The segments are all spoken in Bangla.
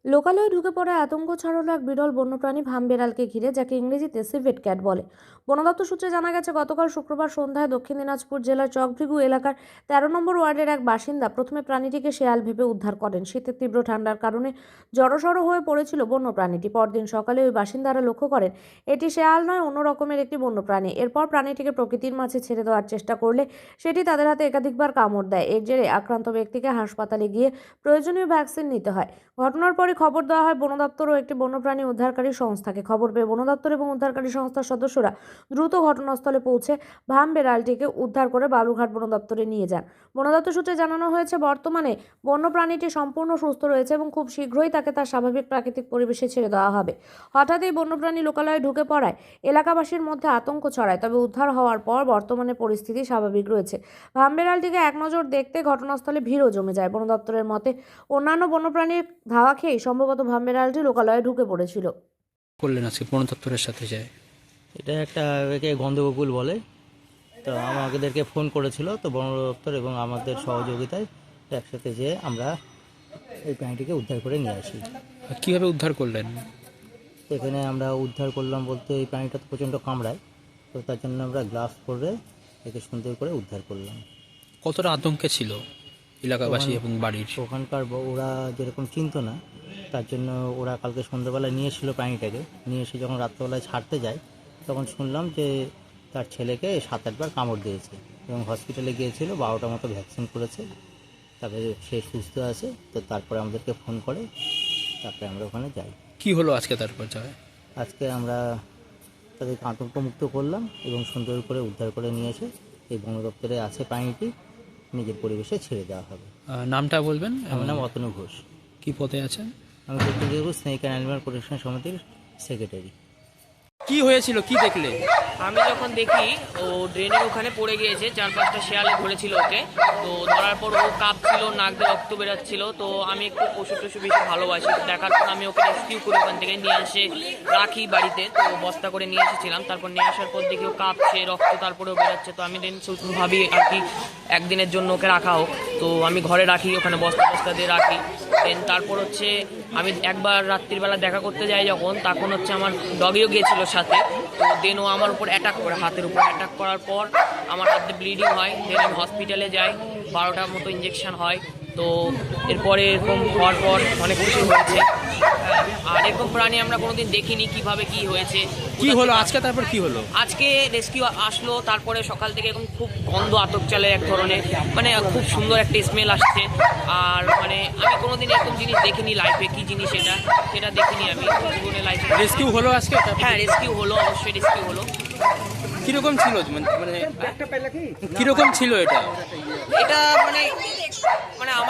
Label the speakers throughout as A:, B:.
A: লোকালয়ে ঢুকে পড়ায় আতঙ্ক ছড়ালো এক বিরল বন্যপ্রাণী ভামবেড়ালকে ঘিরে, যাকে ইংরেজিতে সিভেট ক্যাট বলে। বন দপ্তর সূত্রে জানা গেছে, গতকাল শুক্রবার সন্ধ্যায় দক্ষিণ দিনাজপুর জেলার চকভৃগু এলাকার 13 নম্বর ওয়ার্ডের এক বাসিন্দা প্রথমে প্রাণীটিকে শেয়াল ভেবে উদ্ধার করেন। শীতের তীব্র ঠান্ডার কারণে জড়সড় হয়ে পড়েছিল বন্যপ্রাণীটি। পরদিন সকালে ওই বাসিন্দারা লক্ষ্য করেন এটি শেয়াল নয়, অন্য রকমের একটি বন্যপ্রাণী। এরপর প্রাণীটিকে প্রকৃতির মাঝে ছেড়ে দেওয়ার চেষ্টা করলে সেটি তাদের হাতে একাধিকবার কামড় দেয়। এর জেরে আক্রান্ত ব্যক্তিকে হাসপাতালে গিয়ে প্রয়োজনীয় ভ্যাকসিন নিতে হয়। ঘটনার পরে খবর দেওয়া হয় বন দপ্তর ও একটি বন্যপ্রাণী উদ্ধারকারী সংস্থাকে। খবর পেয়ে বন দপ্তর এবং উদ্ধারকারী সংস্থার সদস্যরা দ্রুত ঘটনাস্থলে পৌঁছে ভামবেড়ালটিকে উদ্ধার করে বালুরঘাট বন দপ্তরে নিয়ে যান। বন দপ্তর সূত্রে জানানো হয়েছে, বর্তমানে বন্যপ্রাণীটি সম্পূর্ণ সুস্থ রয়েছে এবং খুব শীঘ্রই তাকে তার স্বাভাবিক প্রাকৃতিক পরিবেশে ছেড়ে দেওয়া হবে। হঠাৎ এই বন্যপ্রাণী লোকালয়ে ঢুকে পড়ায় এলাকাবাসীর মধ্যে আতঙ্ক ছড়ায়, তবে উদ্ধার হওয়ার পর বর্তমানে পরিস্থিতি স্বাভাবিক রয়েছে। ভামবেড়ালটিকে এক নজর দেখতে ঘটনাস্থলে ভিড়ও জমে যায়। বন দপ্তরের মতে, অন্যান্য বন্যপ্রাণীর ধাওয়া খেয়েই সম্ভবত ভামবেড়ালটি লোকালয়ে ঢুকে পড়েছিল।
B: করলেন আজকে বন দপ্তরের সাথে যায়?
C: এটা একটা একে গন্ধগোকুল বলে। তো আমাদেরকে ফোন করেছিল, তো বন দপ্তর এবং আমাদের সহযোগিতায় একসাথে যেয়ে আমরা এই প্রাণীটিকে উদ্ধার করে নিয়ে আসি।
B: কিভাবে উদ্ধার করলেন?
C: এখানে আমরা উদ্ধার করলাম বলতে, এই প্রাণীটা তো প্রচণ্ড কামড়ায়, তো তার জন্য আমরা গ্লাভস পরে একে সুন্দর করে উদ্ধার করলাম।
B: কতটা আতঙ্কে ছিল এলাকাবাসী এবং বাড়ির?
C: ওখানকার ওরা যেরকম চিনতো না, তার জন্য ওরা কালকে সন্ধ্যাবেলায় নিয়ে এসেছিলো প্রাণীটাকে। নিয়ে এসে যখন রাত্রেবেলায় ছাড়তে যায়, তখন শুনলাম যে তার ছেলেকে 7-8 বার কামড় দিয়েছে এবং হসপিটালে গিয়েছিল, 12টা মতো ভ্যাকসিন করেছে, তারপরে সে সুস্থ আছে। তো তারপরে আমাদেরকে ফোন করে, তারপরে আমরা ওখানে যাই।
B: কি হলো আজকে তারপর যায়?
C: আজকে আমরা তাদেরকে আতঙ্কমুক্ত করলাম এবং সুন্দর করে উদ্ধার করে নিয়ে এসে এই বন দপ্তরে আছে প্রাণীটি নিজের পরিবেশে ছেড়ে দেওয়া হবে।
B: নামটা বলবেন?
C: আমার নাম অতনু ঘোষ।
B: কি পদে আছেন?
C: আমি Dakshin Dinajpur snake and animal protection সমিতির সেক্রেটারি।
B: কি হয়েছিল, কি দেখলে?
D: আমি যখন দেখি ও ড্রেনের ওখানে পড়ে গিয়েছে, 4-5টা শেয়ালে ধরেছিল ওকে। তো ধরার পর ও কাঁপছিল, নাক দিয়ে রক্ত বেরাচ্ছিল। তো আমি একটু পশু টশু বেশি ভালোবাসি, দেখার পর আমি ওকে রেস্কিউ করে ওখান থেকে নিয়ে এসে রাখি বাড়িতে। তো বস্তা করে নিয়ে এসেছিলাম। তারপর নিয়ে আসার পর দেখি ও কাঁপছে, রক্ত তারপরেও বেরাচ্ছে। তো আমি ভাবি আর কি একদিনের জন্য ওকে রাখা হোক। তো আমি ঘরে রাখি, ওখানে বস্তা দিয়ে রাখি। দেন তারপর হচ্ছে আমি একবার রাত্রিবেলা দেখা করতে যাই যখন, তখন হচ্ছে আমার ডগিও গিয়েছিল সাথে। তো দেন ও আমার উপর অ্যাটাক করে, হাতের উপর অ্যাটাক করার পর আমার হাতে ব্লিডিং হয়। দেন আমি হসপিটালে যাই, 12টার মতো ইঞ্জেকশন হয়। তো এরপরে এরকম হওয়ার পর অনেক কিছু হয়েছে। আর এরকম প্রাণী আমরা কোনোদিন দেখিনি, কিভাবে কি হয়েছে।
B: কি হলো আজকে তারপর কি হলো?
D: আজকে রেস্কিউ আসলো, তারপরে সকাল থেকে এরকম খুব গন্ধ আতক চালে এক ধরনের, মানে খুব সুন্দর একটা স্মেল আসছে। আর মানে আমি কোনোদিন এরকম জিনিস দেখিনি লাইফে, কি জিনিস সেটা দেখিনি আমি জীবনে লাইফে।
B: রেস্কিউ হলো আজকে?
D: হ্যাঁ, রেস্কিউ হলো, অবশ্যই রেস্কিউ হলো।
B: কিরকম ছিল, মানে কিরকম ছিল এটা?
D: এটা মানে আমার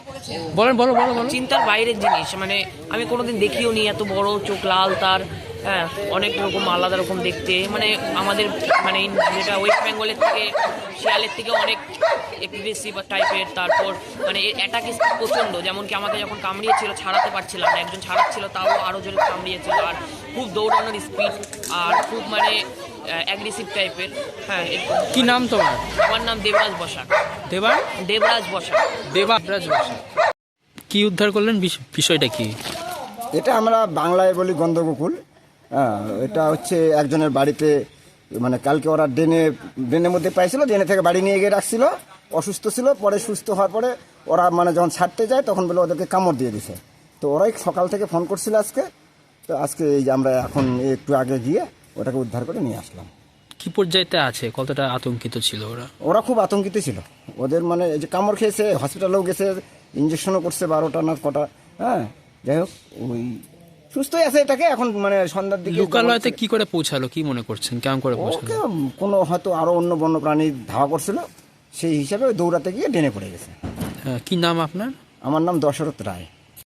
B: বলো।
D: চিন্তার বাইরের জিনিস, মানে আমি কোনোদিন দেখিও নি। এত বড় চোখ, লাল তার, হ্যাঁ, অনেক রকম আলাদা রকম দেখতে। মানে আমাদের মানে যেটা ওয়েস্ট বেঙ্গলের থেকে, শিয়ালের থেকে অনেক এগ্রেসিভ টাইপের। তারপর মানে এর অ্যাটাক স্পিড প্রচণ্ড, যেমন কি আমাকে যখন কামড়িয়েছিল ছাড়াতে পারছিলাম না, একজন ছাড়াচ্ছিল তাও আরও জোরে কামড়িয়েছিল। আর খুব দৌড়ানোর স্পিড, আর খুব মানে অ্যাগ্রেসিভ টাইপের। হ্যাঁ।
B: কি নাম তোমার?
D: আমার নাম দেবরাজ বসাক। দেবরাজ বসাক।
B: কি উদ্ধার করলেন, বিষয়টা কি?
E: এটা আমরা বাংলায় বলি গন্ধগোকুল। হ্যাঁ, এটা হচ্ছে একজনের বাড়িতে, মানে কালকে ওরা ড্রেনের মধ্যে পাইছিল, ড্রেনে থেকে বাড়ি নিয়ে গিয়ে রাখছিল। অসুস্থ ছিল, পরে সুস্থ হওয়ার পরে ওরা মানে যখন ছাড়তে যায় তখন বলে ওদেরকে কামড় দিয়ে দিছে। তো ওরাই সকাল থেকে ফোন করছিল আজকে। তো আজকে এই যে আমরা এখন একটু আগে গিয়ে ওটাকে উদ্ধার করে নিয়ে আসলাম।
B: কি পর্যায়েতে আছে, কতটা আতঙ্কিত ছিল
E: ওরা খুব আতঙ্কিত ছিল। ওদের মানে এই যে কামড় খেয়েছে, হসপিটালেও গেছে, ইঞ্জেকশনও করছে 12টা না কটা। হ্যাঁ, যাই হোক, ওই সুস্থই আছে। এটাকে এখন মানে সন্ধ্যার দিকে
B: লোকালয়তে কি করে পৌঁছালো, কি মনে করছেন, কেমন করে পৌঁছালো?
E: কোনো হয়তো আরো অন্য বন্যপ্রাণী ধাওয়া করছিল, সেই হিসাবে দৌড়াতে গিয়ে ডেনে পড়ে গেছে।
B: কি নাম আপনার?
E: আমার নাম দশরথ রায়।